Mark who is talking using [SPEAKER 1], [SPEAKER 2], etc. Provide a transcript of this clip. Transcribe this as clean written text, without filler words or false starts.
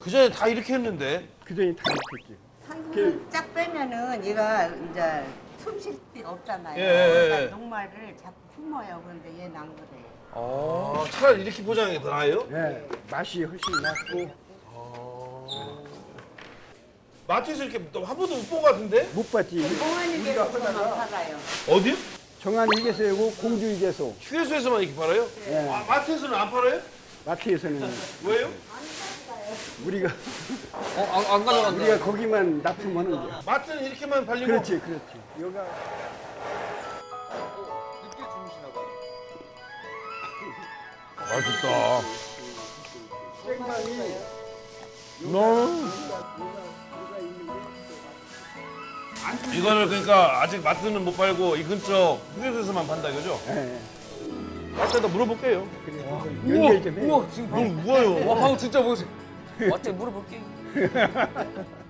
[SPEAKER 1] 그전에 다 이렇게 했는데.
[SPEAKER 2] 그전에 다 이렇게.
[SPEAKER 3] 상금을 쫙 빼면은 얘가 이제 숨 쉴 데가 없잖아요.
[SPEAKER 1] 예, 예, 예.
[SPEAKER 3] 그러니까 녹말을 자꾸 품어요. 그런데 얘는 안 그래요.
[SPEAKER 1] 차라리 이렇게 포장하는 게 더 나아요?
[SPEAKER 2] 네, 맛이 훨씬 낫고
[SPEAKER 1] 마트에서 이렇게 한 번도 못 본 것 같은데?
[SPEAKER 2] 못 봤지.
[SPEAKER 3] 공원이
[SPEAKER 2] 우리가
[SPEAKER 3] 계속만
[SPEAKER 2] 하다가
[SPEAKER 3] 팔아요.
[SPEAKER 1] 어디요?
[SPEAKER 2] 정한 휴게소이고 공주 휴게소.
[SPEAKER 1] 휴게소에서만 이렇게 팔아요?
[SPEAKER 2] 네.
[SPEAKER 1] 아, 마트에서는 안 팔아요?
[SPEAKER 2] 마트에서는
[SPEAKER 1] 왜요?
[SPEAKER 2] 우리가
[SPEAKER 4] 안 가져간다.
[SPEAKER 2] 우리가 거기만 납품하는 거야.
[SPEAKER 1] 마트는 이렇게만 팔리고.
[SPEAKER 2] 그렇지. 여기가
[SPEAKER 4] 늦게 주무시나 봐.
[SPEAKER 1] 맛있다.
[SPEAKER 2] 생강이
[SPEAKER 1] 이거를 그러니까 아직 마트는 못 팔고 이 근처 휴게소에서만 판다 이거죠?
[SPEAKER 2] 예.
[SPEAKER 1] 마트에다 물어볼게요.
[SPEAKER 2] 연결 좀 해.
[SPEAKER 4] 우와 지금
[SPEAKER 1] 뭘 뭐예요?
[SPEAKER 4] 와 방금 진짜 보세요. 어째 물어볼게.